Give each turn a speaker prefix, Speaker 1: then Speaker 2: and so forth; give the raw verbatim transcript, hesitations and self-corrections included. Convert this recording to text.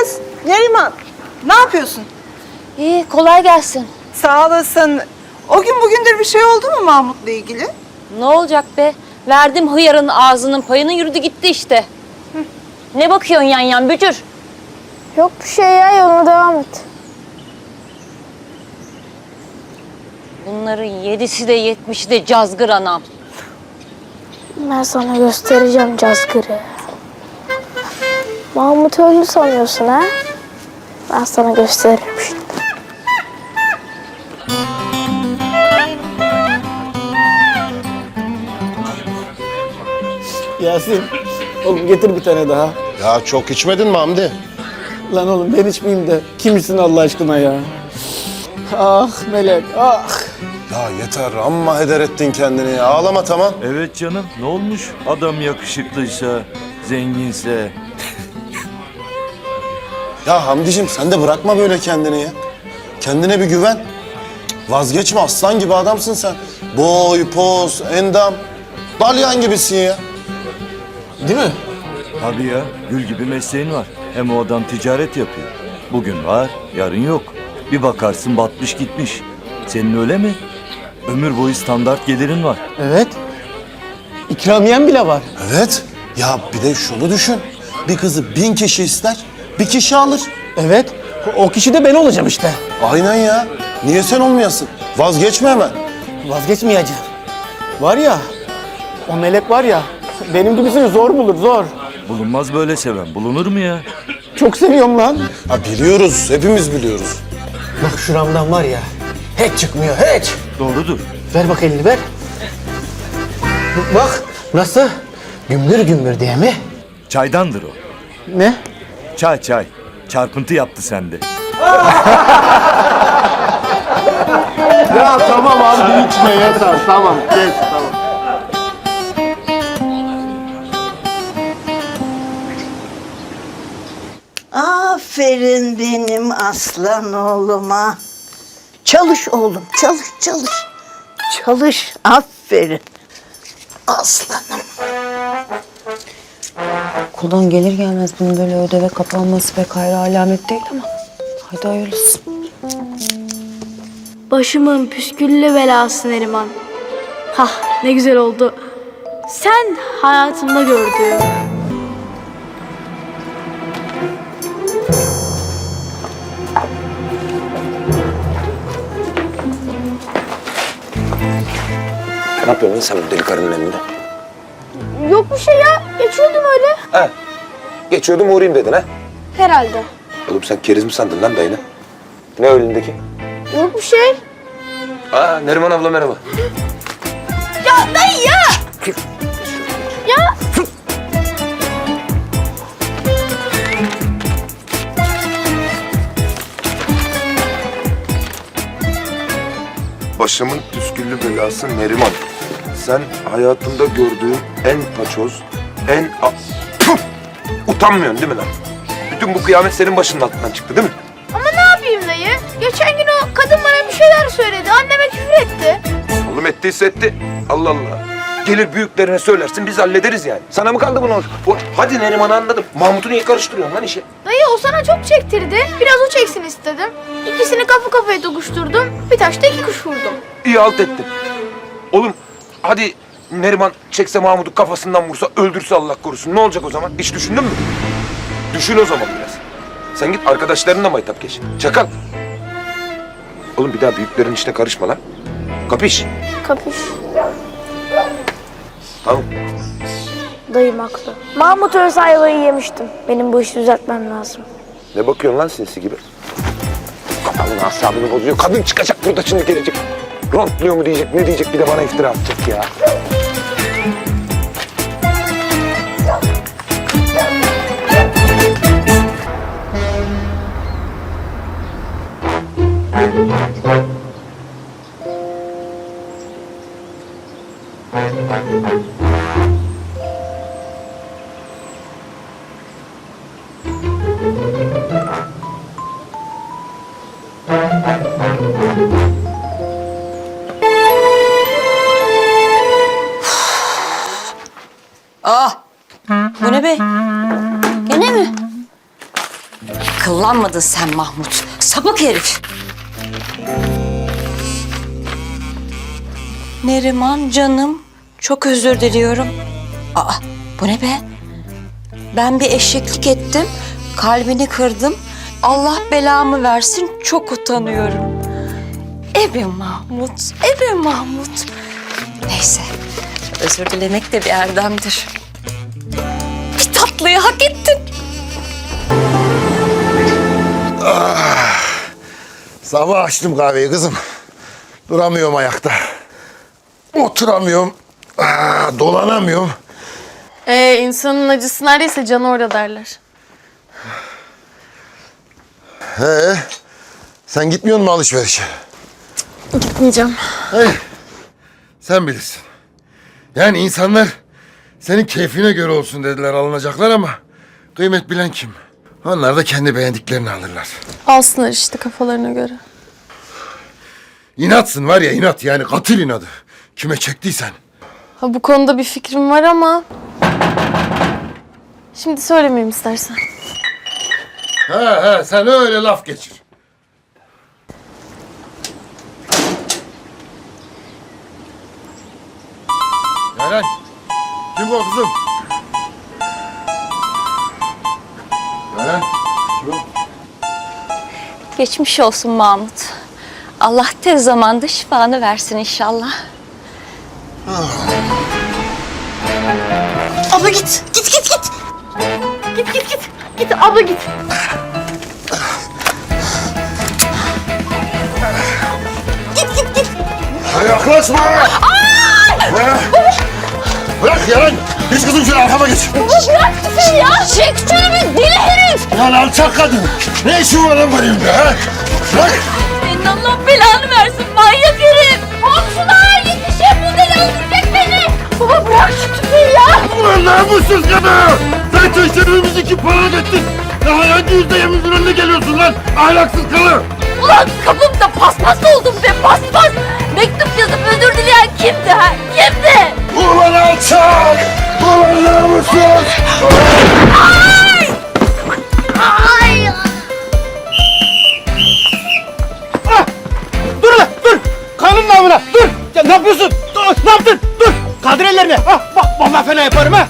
Speaker 1: Kız, Neriman, ne yapıyorsun?
Speaker 2: İyi, kolay gelsin.
Speaker 1: Sağ olasın. O gün bugündür bir şey oldu mu Mahmut'la ilgili?
Speaker 2: Ne olacak be? Verdim hıyarın ağzının payını, yürüdü gitti işte. Hı. Ne bakıyorsun yan yan bücür?
Speaker 3: Yok bir şey ya, yoluna devam et.
Speaker 2: Bunların yedisi de yetmişi de cazgır anam.
Speaker 3: Ben sana göstereceğim cazgırı. Mahmut öldü sanıyorsun ha? Ben sana gösteririm şimdi.
Speaker 4: Yasin, oğlum getir bir tane daha.
Speaker 5: Ya çok içmedin mi Hamdi?
Speaker 4: Lan oğlum ben içmeyeyim de kimsin Allah aşkına ya? Ah Melek, ah!
Speaker 5: Ya yeter amma heder ettin kendini ya. Ağlama tamam.
Speaker 6: Evet canım, ne olmuş? Adam yakışıklıysa, zenginse.
Speaker 5: Ya Hamdicim sen de bırakma böyle kendini ya. Kendine bir güven. Vazgeçme, aslan gibi adamsın sen. Boy, poz, endam. Dalyan gibisin ya.
Speaker 4: Değil mi?
Speaker 6: Tabii ya, gül gibi mesleğin var. Hem o adam ticaret yapıyor. Bugün var, yarın yok. Bir bakarsın batmış gitmiş. Senin öyle mi? Ömür boyu standart gelirin var.
Speaker 4: Evet. İkramiyen bile var.
Speaker 5: Evet. Ya bir de şunu düşün. Bir kızı bin kişi ister, bir kişi alır.
Speaker 4: Evet. O kişi de ben olacağım işte.
Speaker 5: Aynen ya. Niye sen olmayasın? Vazgeçme hemen.
Speaker 4: Vazgeçmeyeceğim. Var ya, o Melek var ya, benim gibisini zor bulur, zor.
Speaker 6: Bulunmaz böyle seven, bulunur mu ya?
Speaker 4: Çok seviyorum lan.
Speaker 5: Ha biliyoruz, hepimiz biliyoruz.
Speaker 4: Bak şuramdan var ya, hiç çıkmıyor, hiç.
Speaker 6: Doğrudur.
Speaker 4: Ver bak elini, ver. Bak, nasıl? Gümbür gümbür diye mi?
Speaker 6: Çaydandır o.
Speaker 4: Ne?
Speaker 6: Çay çay. Çarpıntı yaptı sende.
Speaker 5: Ya tamam abi içme yeter. Tamam kes tamam.
Speaker 7: Aferin benim aslan oğluma. Çalış oğlum, çalış, çalış. Çalış, aferin. Aslanım.
Speaker 2: Okuldan gelir gelmez bunun böyle ödeve kapanması pek hayra alamet değil ama. Haydi hayırlısı.
Speaker 3: Başımın püsküllü belası Neriman. Hah, ne güzel oldu. Sen hayatımda gördüğüm.
Speaker 5: Ne yapıyorsun lan sen bu deli karının elinde?
Speaker 3: Yok bir şey ya, geçiyordum öyle.
Speaker 8: Ha. Geçiyordum uğrayayım dedin ha?
Speaker 3: Herhalde.
Speaker 8: Oğlum sen keriz mi sandın lan dayını? Ne önündeki?
Speaker 3: Yok bir şey.
Speaker 8: Aa Neriman abla merhaba.
Speaker 3: Ya dayı ya! Ya!
Speaker 8: Başımın püsküllü belası Neriman. Sen hayatımda gördüğüm en paçoz, en... A... Tüh! Utanmıyorsun değil mi lan? Bütün bu kıyamet senin başının altından çıktı değil mi?
Speaker 3: Ama ne yapayım dayı? Geçen gün o kadın bana bir şeyler söyledi, anneme küfür etti.
Speaker 8: Oğlum ettiyse etti. Allah Allah. Gelir büyüklerine söylersin biz hallederiz yani. Sana mı kaldı bunu? O, hadi Neriman'ı anladım. Mahmut'u niye karıştırıyorsun lan işe?
Speaker 3: Dayı o sana çok çektirdi. Biraz o çeksin istedim. İkisini kafa kafaya dokuşturdum. Bir taşta iki kuş vurdum.
Speaker 8: İyi halt ettin. Oğlum hadi Neriman çekse Mahmut'u kafasından vursa, öldürse Allah korusun. Ne olacak o zaman? Hiç düşündün mü? Düşün o zaman biraz. Sen git arkadaşlarınla maytap geç. Çakal. Oğlum bir daha büyüklerin işine karışma lan. Kapış.
Speaker 3: Kapış.
Speaker 8: Tamam.
Speaker 3: Dayım haklı. Mahmut ölse ayvayı yemiştim. Benim bu işi düzeltmem lazım.
Speaker 8: Ne bakıyorsun lan sinsi gibi? Kafamın asabını bozuyor. Kadın çıkacak burada şimdi gelecek. Rontluyor mu diyecek, ne diyecek bir de bana iftira atacak ya.
Speaker 2: Ah! Bu ne be? Gene mi? Akıllanmadın sen Mahmut. Sapık herif. Neriman canım, çok özür diliyorum. Aa, bu ne be? Ben bir eşeklik ettim, kalbini kırdım. Allah belamı versin, çok utanıyorum. Ebe Mahmut, ebe Mahmut. Neyse, özür dilemek de bir erdemdir. Bir tatlıyı hak ettin.
Speaker 9: Sabah açtım kahveyi kızım. Duramıyorum ayakta. Oturamıyorum. Aa, dolanamıyorum.
Speaker 10: Ee, insanın acısı neredeyse canı orada derler.
Speaker 9: He, sen gitmiyor musun alışverişe?
Speaker 10: Gitmeyeceğim.
Speaker 9: Hayır. Sen bilirsin. Yani insanlar senin keyfine göre olsun dediler alınacaklar ama kıymet bilen kim? Onlar da kendi beğendiklerini alırlar.
Speaker 10: Alsınlar işte kafalarına göre.
Speaker 9: İnatsın var ya inat yani katil inadı. Kime çektiysen.
Speaker 10: Ha, bu konuda bir fikrim var ama... Şimdi söylemeyeyim istersen.
Speaker 9: He he sen öyle laf geçir. Yaren. Kim bu kızım? Yaren.
Speaker 2: Geçmiş olsun Mahmut. Allah tez zamanda şifanı versin inşallah.
Speaker 7: Abla git, git, git, git.
Speaker 3: Git git git. Git abla git.
Speaker 9: Ha, yaklaşma! Ha? Bırak Yaren! Geç kızım şöyle arkama geç.
Speaker 2: Bırak sen ya! Çek şunu bir deli herif!
Speaker 9: Lan alçak kadın! Ne işin var lan benim de ha? Bırak!
Speaker 2: Senin Allah belanı versin manyak herif! Komşular yetişin bu deli öldürecek beni! Baba bırak şu tüfeği ya!
Speaker 9: Ulan namussuz kadın! Sen çeşitlerimizi iki para ettin! Daha hangi yüzdeyemizin önüne geliyorsun lan? Ahlaksız kalı!
Speaker 2: Ulan kapımda paspas oldum be paspas! Mektup yazıp özür dileyen kimdi ha? Kimdi?
Speaker 9: Ulan alçak! Ulan namussuz!
Speaker 2: Ay! Ay!
Speaker 4: Dur lan dur. Kanun namına dur. Ya ne yapıyorsun? Dur, ne yaptın? Dur. Kaldır ellerini. Ah, bak vallahi fena yaparım ha.